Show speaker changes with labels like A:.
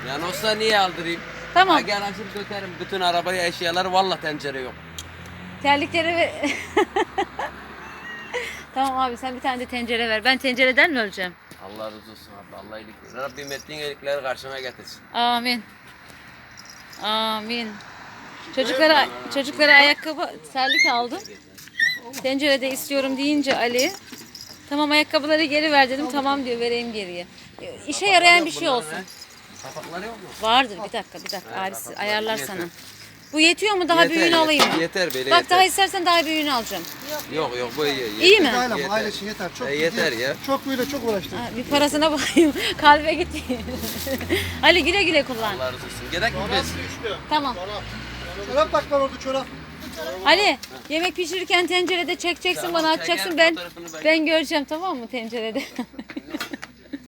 A: Yani olsa niye aldırayım?
B: Tamam.
A: Ha, gel açıp dökerim bütün arabaya eşyaları, vallahi tencere yok.
B: Terlikleri ve... Tamam abi sen bir tane de tencere ver. Ben tencereden mi öleceğim?
A: Allah razı olsun abi. Allah iyilik versin. Rabbim ettiğin iyilikleri karşına getirsin.
B: Amin. Amin. Çocuklara ayakkabı terlik aldım. Tencerede istiyorum deyince Ali, tamam ayakkabıları geri ver dedim. Tamam diyor, vereyim geriye. İşe yarayan bir şey olsun.
A: Kapakları yok mu?
B: Vardır, bir dakika abisi ayarlar sana. Bu yetiyor mu, daha büyüğünü alayım mı?
A: Yeter böyle
B: Bak
A: yeter.
B: daha istersen daha büyüğünü alacağım.
A: Yok bu iyi.
B: İyi mi?
C: Aile,
A: Yeter.
C: aile için yeter. Çok
A: Yeter ya.
C: Çok böyle çok uğraştım.
B: Ha, bir parasına bakayım. Kalbe gitti. Ali güle güle kullan.
A: Allah razı olsun. Gerek mi biz?
B: Tamam.
C: Çorap bak var orada çorap.
B: Ali yemek pişirirken tencerede çekeceksin,
A: Tamam,
B: bana atacaksın.
A: çekerim,
B: Ben
A: fotoğrafını ben-
B: ben göreceğim, tamam mı, tencerede?